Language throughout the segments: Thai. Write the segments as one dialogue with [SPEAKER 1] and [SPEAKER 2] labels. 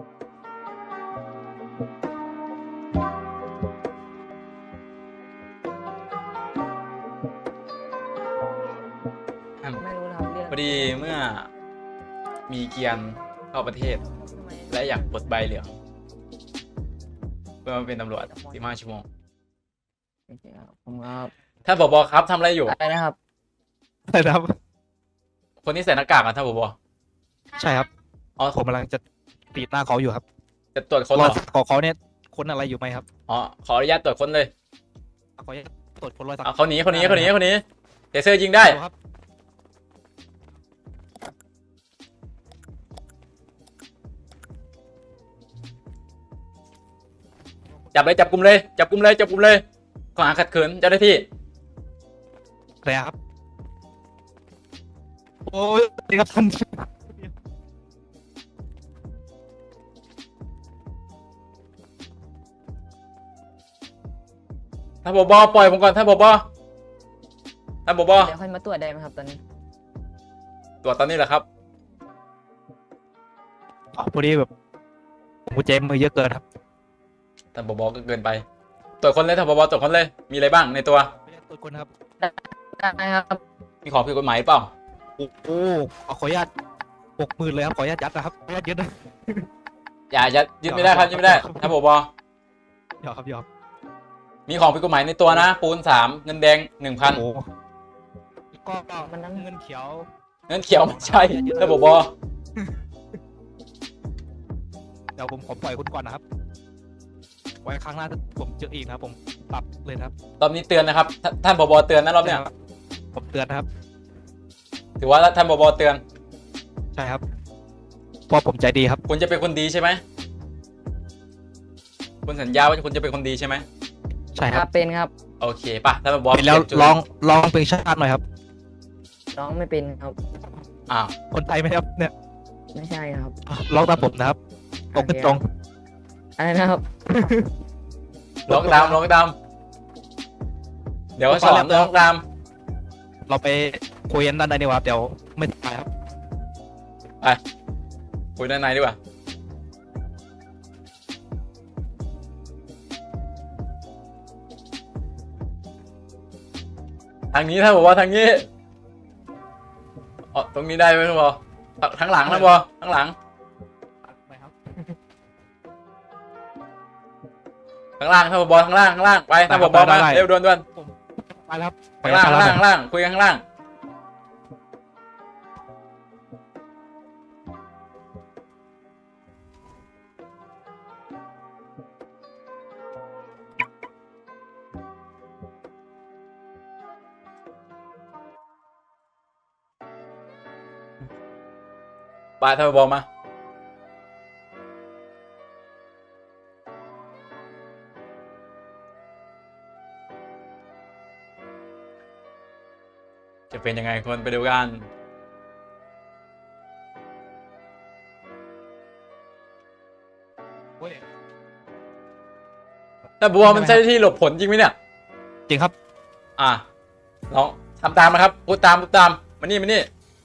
[SPEAKER 1] ไม่รู้นะครับเรียก
[SPEAKER 2] พอดีเมื่อมีเกียร์เข้าประเทศ
[SPEAKER 1] ทำไม
[SPEAKER 2] และอยากปลดใบเหลืองเพื่อมาเป็นตำรวจ15 ชั่วโมง
[SPEAKER 1] โอเคครับผมครับ
[SPEAKER 2] ท่านผบครับทำอะไรอยู่
[SPEAKER 1] อะไรนะครับ
[SPEAKER 3] ใช่ครับ
[SPEAKER 2] คนที่ใส่หน้ากากอ่ะท่านผบ
[SPEAKER 3] ใช่ครับ
[SPEAKER 2] อ๋อ
[SPEAKER 3] ผมกำลังจะปีดหน้าเขาอยู่ครับ
[SPEAKER 2] จะตรวจค้น
[SPEAKER 3] ร
[SPEAKER 2] เห
[SPEAKER 3] อ
[SPEAKER 2] รอ
[SPEAKER 3] ขอเขาเนี่ยค้นอะไรอยู่ไหมครับ
[SPEAKER 2] อ๋อขออนุญาตตรวจค้นเลย
[SPEAKER 3] ขออนุญาตตรวจค้นรอยสัก
[SPEAKER 2] เขาหนีเดเซอร์ยิงได้
[SPEAKER 3] ครับ
[SPEAKER 2] จับกลุ่มเลยข้อหาขัดขืนเจ้าหน้าที่
[SPEAKER 3] อะไรครับโอ้ยนี่ครับท่าน
[SPEAKER 2] ท่านผบปล่อยผมก่อนท่านผบ
[SPEAKER 1] เดี๋ยวค่อยมาตรวจได้ไหมครับตอนนี้
[SPEAKER 2] ตรวจตอนนี้แหละครับ
[SPEAKER 3] พอดีแบบผมกุญแจมือเยอะเกินครับ
[SPEAKER 2] ท่านผบก็เกินไป ตรวจค้นเลยท่านผบตรวจค้นเลย มีอะไรบ้างในตัว
[SPEAKER 3] ขออนุญาตตรวจค้นครับ
[SPEAKER 1] ได้ครับ
[SPEAKER 2] มีของผิดกฎหมายหรือเปล่า
[SPEAKER 3] โอ้โหขออนุญาต60,000เลยครับขออนุญาตยัดนะครับขออนุญาตยึดนะ
[SPEAKER 2] อย่ายึดไม่ได้ครับยึดไม่ได้ท่านผบ
[SPEAKER 3] หยอกครับหยอก
[SPEAKER 2] มีของผิดกฎหมายในตัวนะ ปูน3เงินแดง 1,000
[SPEAKER 3] โอ้โหก็
[SPEAKER 1] มันนั้น
[SPEAKER 3] เงินเขียว
[SPEAKER 2] เงินเขียวไม่ใช่ท่านผบ
[SPEAKER 3] เดี๋ยวผมขอปล่อยคุณก่อนนะครับไว้ครั้งหน้าถ้าผมเจออีกนะครับผมปรับเลยนะครับ
[SPEAKER 2] รอบนี้เตือนนะครับท่านผบเตือนนะรอบเนี้ย
[SPEAKER 3] ผมเตือนนะครับ
[SPEAKER 2] ถือว่าท่านผบเตือน
[SPEAKER 3] ใช่ครับเพราะผมใจดีครับ
[SPEAKER 2] คุณจะเป็นคนดีใช่ไหมคุณสัญญาว่าคุณจะเป็นคนดีใช่ไหม
[SPEAKER 3] ใช่
[SPEAKER 1] ค
[SPEAKER 3] ค
[SPEAKER 1] รั
[SPEAKER 3] รั
[SPEAKER 1] บบ เป็นครับ
[SPEAKER 2] โอเคป่ะท่านผบ
[SPEAKER 3] เป็นแล้ว
[SPEAKER 2] เปยนจุด
[SPEAKER 3] ร้องเพลงชาติหน่อยครับ
[SPEAKER 1] ร้องไม่เป็นครับ
[SPEAKER 2] อ้าว
[SPEAKER 3] คนไทยไหมครับเนี่ย
[SPEAKER 1] ไม่ใช่ครับ
[SPEAKER 3] ร้องตามผมนะครับตรงขึ้นตรง
[SPEAKER 1] อะไรนะครับ
[SPEAKER 2] ร้องตามเดี๋ยวสอนร้องตาม
[SPEAKER 3] เราไปคุยกันด้านในดีกว่าครับเดี๋ยวไม่ตายครับ
[SPEAKER 2] คุยด้านในดีกว่าทางนี้ท่านบอกว่าทางนี้อ๋อตรงนี้ได้ไหมท่านบอกทั้งหลังท่านบอกทั้งหลัง
[SPEAKER 3] ไปครับ
[SPEAKER 2] ข้างล่างท่านบอกข้างล่างไปท่านบอกมาเร็วด่วน
[SPEAKER 3] ไปแล้วครับ
[SPEAKER 2] ข้างล่างคุยกันข้างล่างไปท่านบอกมาจะเป็นยังไงคนไปดูกันแต่บัวมันใช่ที่หลบผลจริงไหมเนี่ย
[SPEAKER 3] จริงครับ
[SPEAKER 2] ลองทำตามนะครับพูดตามมานี่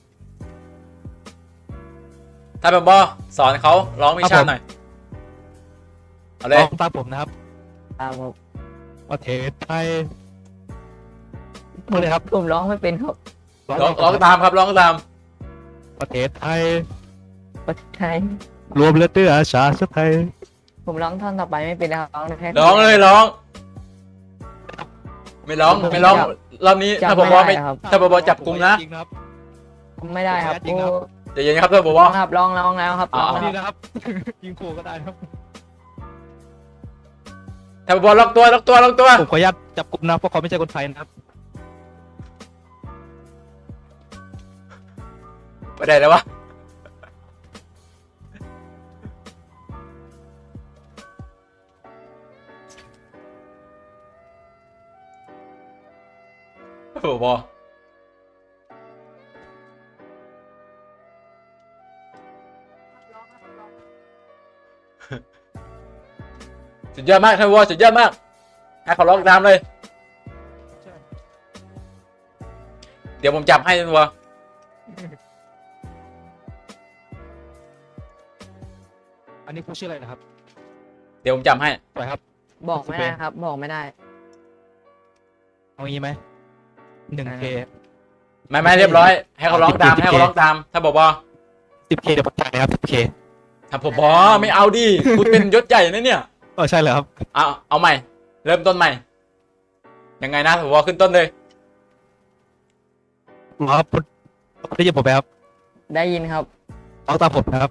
[SPEAKER 2] ถ้าแบบบอสอนเขาร้องวิชาหน่อยเอาเลย
[SPEAKER 3] ร้องตามผมนะครับ
[SPEAKER 1] ครับผม
[SPEAKER 3] ประเทศไทยพูดเลยครับ
[SPEAKER 1] ผมร้องไม่เป็นครับ
[SPEAKER 2] ร้องตามครับร้องตาม
[SPEAKER 3] ประเทศไทย
[SPEAKER 1] ประเทศไทย
[SPEAKER 3] รวมเลือดเตื้อชาติไทย
[SPEAKER 1] ผมร้องท่อนต่อไปไม่เป็นนะครับร้องได้แค่
[SPEAKER 2] ร้องเลยร้อง ไม่ร้องรอบนี้ถ้าผมบอกไม่
[SPEAKER 1] ครับ
[SPEAKER 2] ถ้าผมบอกจับกลุ่มนะ
[SPEAKER 3] จริงครับ
[SPEAKER 1] ไม่ได้ครับ
[SPEAKER 3] จริงครับ
[SPEAKER 2] ใจเย็นครับถ้าผมบ
[SPEAKER 1] ร้
[SPEAKER 2] อ
[SPEAKER 1] อก งครับร้องแล้วครับร้องแล้ว
[SPEAKER 3] นี่นะครับ ยิงขู่ก็ได้ครับ
[SPEAKER 2] ถ้าผมบอกล็อกตัว
[SPEAKER 3] ผมขออนุญาตจับกลุ่มนะเพราะเขาไม่ใช่คนไทยนะครับ
[SPEAKER 2] ไปได้แล้ววะถ้าผมบอกสุดยอดมากท่านวอสุดยอดมากให้เขาร้องตามเลย เดี๋ยวผมจับให้ท่านวอ
[SPEAKER 3] อันนี้คุณชื่ออะไรนะครับ
[SPEAKER 2] เดี๋ยวผมจำให้
[SPEAKER 3] ปล่อยครับ
[SPEAKER 1] บอกไม่ได้ครับ บอกไม่ได้
[SPEAKER 3] เอางี้ไหม1K
[SPEAKER 2] ไม่เรียบร้อย ให้เขาร้องตามให้เขาร้องตามถ้าบอกว่า
[SPEAKER 3] 10K เดี๋ยวผมจ่ายนะครับ 10K
[SPEAKER 2] ถ้าผมบอไม่เอาดิคุณเป็นยศใหญ่นะเนี่ย
[SPEAKER 3] ใช่เลยครับ
[SPEAKER 2] เอาใหม่ เริ่มต้นใหม่ยังไงนะผมบอขึ้นต้นเลย
[SPEAKER 3] รอครับคุณได้ยินผมไหมครับ
[SPEAKER 1] ได้ยินครับ
[SPEAKER 3] ร้องตามผมนะครับ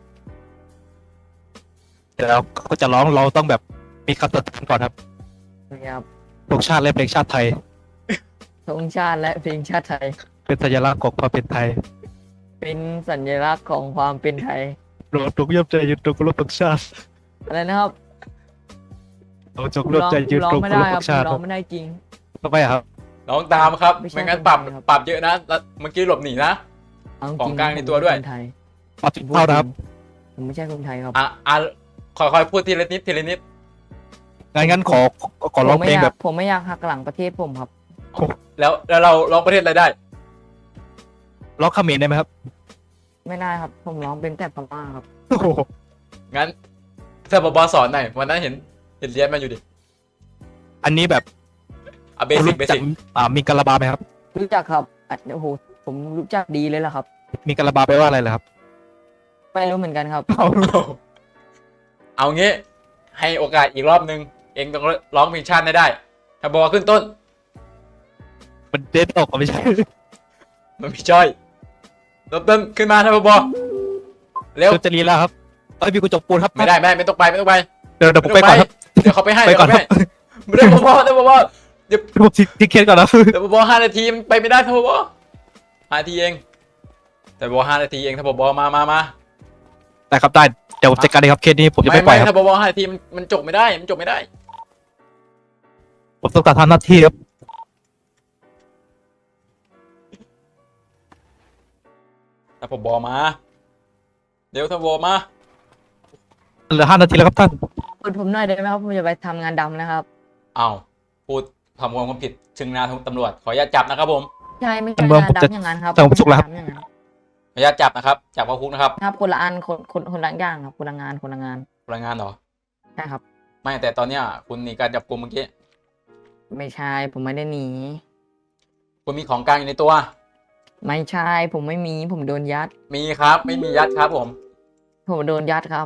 [SPEAKER 3] เดี๋ยวเราก็จะร้องเราต้องแบบมีคำตัดสินก่อนครับ
[SPEAKER 1] นะครับ
[SPEAKER 3] ธงชาติและเพลงชาติไทย
[SPEAKER 1] ธงชาติและเพลงชาติไทย
[SPEAKER 3] เป็นสัญลักษณ์ของความเป็นไทย
[SPEAKER 1] เป็นสัญลักษณ์ของความเป็นไทย
[SPEAKER 3] เราจงร่วมใจยืนตรงเคารพธงชาติ
[SPEAKER 1] อะไรนะครับ
[SPEAKER 3] เราจงร่วมใจยืน
[SPEAKER 1] ร้อ
[SPEAKER 3] ตรง ง
[SPEAKER 1] ไม่
[SPEAKER 3] เคาร
[SPEAKER 1] ได้
[SPEAKER 3] พ
[SPEAKER 1] ค
[SPEAKER 3] ธ
[SPEAKER 1] รับ
[SPEAKER 3] งชาติ
[SPEAKER 1] ร้องไม่ได้จริง
[SPEAKER 3] ทำไมครับ
[SPEAKER 2] ร้องตามครับ
[SPEAKER 1] ไม่ใช่
[SPEAKER 2] ไม่งั้น
[SPEAKER 1] คน
[SPEAKER 2] ปรับ
[SPEAKER 1] ไทยครับ
[SPEAKER 2] ปรับเยอะนะแล้วเมื่อกี้หลบหนีนะ
[SPEAKER 1] เอาจ
[SPEAKER 2] ขอ
[SPEAKER 1] ริ
[SPEAKER 2] ง
[SPEAKER 1] ง
[SPEAKER 2] กลางในตัวด้วย
[SPEAKER 1] ผมเป็นคนไทย
[SPEAKER 3] ปรับผิดเท่านะครับ
[SPEAKER 1] ผมไม่ใช่คนไทยครับ
[SPEAKER 2] ค่อยๆพูดทีละนิดทีละนิด
[SPEAKER 3] งั้นขอร้องเพลงแบบ
[SPEAKER 1] ผมไม่อยากหักหลังประเทศผมครับ
[SPEAKER 2] แล้วเราร้องประเทศอะไรได้
[SPEAKER 3] ร้องเขมรได้ไหมครับ
[SPEAKER 1] ไม่ได้ครับ ผมร้องเป็นแต่พม่าครับ
[SPEAKER 3] โอ้โห
[SPEAKER 2] งั้นถ้าบอสอนหน่อยวันนั้นเห็นเรียนมาอยู่ดิ
[SPEAKER 3] อันนี้แบบ
[SPEAKER 2] เบสิกเบสิก
[SPEAKER 3] มีกะลาบาไหมครับ
[SPEAKER 1] รู้จักครับโอ้โหผมรู้จักดีเลยล่ะครับ
[SPEAKER 3] มีกะลาบาแปลว่าอะไรเหรอครับ
[SPEAKER 1] ไม่รู้เหมือนกันครับ
[SPEAKER 2] เอางี้ ให้โอกาสอีกรอบนึง เองต้องร้องเพลงชาติได้ถ้าบอขึ้นต้น
[SPEAKER 3] มันเด็ดออกไม่ใช่
[SPEAKER 2] มันมีจ้อยเริ่มต้นขึ้นมาถ้าบอเร็ว
[SPEAKER 3] จะรีแล้วครับมีกุญจกปูนครับ
[SPEAKER 2] ไม่ได้ไม่ต้องไป
[SPEAKER 3] เดี๋ยวผมไปก่อนครับ
[SPEAKER 2] เดี๋ยวเขาไปให้
[SPEAKER 3] ไปก่อนครับ
[SPEAKER 2] เดี๋ยวบอเดี๋ยวบอ
[SPEAKER 3] เดี๋ยวผมทิ้งเคสก่อนนะ
[SPEAKER 2] เดี๋ยวบอ5 นาทีมันไปไม่ได้ถ้าบอ5 นาทีเองแต่บอ5 นาทีเองถ้าบอมา
[SPEAKER 3] ได้ครับได้เดี๋ยวผมจัดการเลยครับเคสนี้ผมจะไม่ปล่อยครับ
[SPEAKER 2] ถ้าบอ5 นาทีมันจบไม่ได้มันจบไม่ได้
[SPEAKER 3] ผมต้องการทำหน้าที่ครับ
[SPEAKER 2] ถ้าบอมาเดี๋ยวถ้าบอมา
[SPEAKER 3] เหลือ5 นาทีแล้วครับท่าน
[SPEAKER 1] เปิดผมหน่อยได้ไหมครับ ผมจะไปทำงานดำนะครับ
[SPEAKER 2] อ้าวพูดทำความผิดชึงหนาตำรวจขออนุญาตจับนะครับผม
[SPEAKER 1] ใช่ไม่ใช่
[SPEAKER 3] เมือง
[SPEAKER 1] งาน
[SPEAKER 3] ผมจะ
[SPEAKER 1] ดำอย่างนั้นครับ
[SPEAKER 3] แต่ผมสุกแล้วครับ
[SPEAKER 1] งานดำอย่างนั้น
[SPEAKER 2] ขออนุญาตจับนะครับจับเข้าคุกนะครับ
[SPEAKER 1] ครับคนละอันคนละอย่างครับคนละงานคนละงาน
[SPEAKER 2] รายงานเหรอ
[SPEAKER 1] ใช่ครับ
[SPEAKER 2] ไม่แต่ตอนเนี้ยคุณหนีการจับกุมเมื่อกี้
[SPEAKER 1] ไม่ใช่ผมไม่ได้หนี
[SPEAKER 2] คุณมีของกลางอยู่ในตัว
[SPEAKER 1] ไม่ใช่ผมไม่มีผมโดนยัด
[SPEAKER 2] มีครับไม่มียัดครับผม
[SPEAKER 1] ผมโดนยัดครับ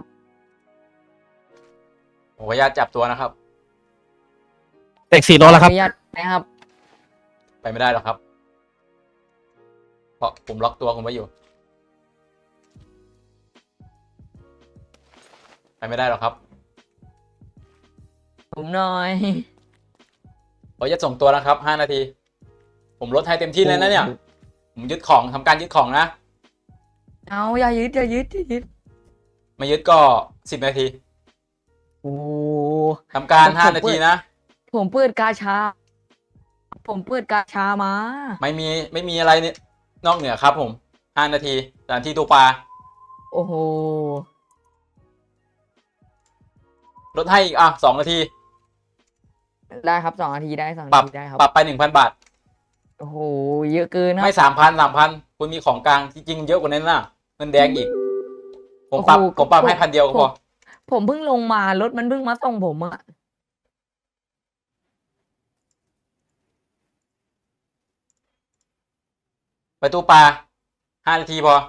[SPEAKER 2] ผมขออนุญาตจับตัวนะครับ
[SPEAKER 3] เด็ก4 โลแล้วครับ
[SPEAKER 1] ขออนุญาตนะครับ
[SPEAKER 2] ไปไม่ได้หรอกครับ เพราะผมล็อกตัวคุณไว้อยู่ ไปไม่ได้หรอกครับ
[SPEAKER 1] ผมหน่อย
[SPEAKER 2] ขออนุญาตส่งตัวนะครับ5 นาที ผมลดให้เต็มที่เลยนะเนี่ย ผมยึดของทำการยึดของนะ
[SPEAKER 1] เอาอย่ายึดอย่ายึดอย่ายึด
[SPEAKER 2] ไม่ยึดก็10 นาที
[SPEAKER 1] โอ้
[SPEAKER 2] ทำการ5 นาทีนะ
[SPEAKER 1] ผมเปิดกาชา ผมเปิดกาชามา
[SPEAKER 2] ไม่มีอะไรเนี่ยนอกเหนือครับผม5 นาทีสถานที่ตัวปลา
[SPEAKER 1] โอ้โห
[SPEAKER 2] ลดให้อีก2 นาที
[SPEAKER 1] ได้ครับ2 นาทีได้2
[SPEAKER 2] ปรับ
[SPEAKER 1] นาทีได้ครับ
[SPEAKER 2] ปรับไป 1,000 บาท
[SPEAKER 1] โอ้โหเยอะเกินนะ
[SPEAKER 2] ไม่3,000 คุณมีของกลางจริงๆเยอะกว่านั้นน่ะเงินแดงอีก ผมปรับให้1,000 เดียวก็พอ
[SPEAKER 1] ผมเพิ่งลงมารถมันเพิ่งมาส่งผมอะ
[SPEAKER 2] ไปตู้ปลา5 นาทีพอ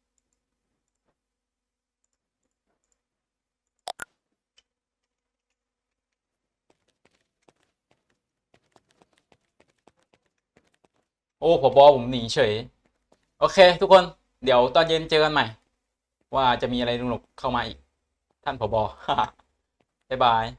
[SPEAKER 2] โอ้ผบ.ผมหนีเฉย โอเค ทุกคน เดี๋ยวตอนเย็นเจอกันใหม่ ว่าจะมีอะไรสนุกเข้ามาอีก ท่านผบ. บ๊ายบาย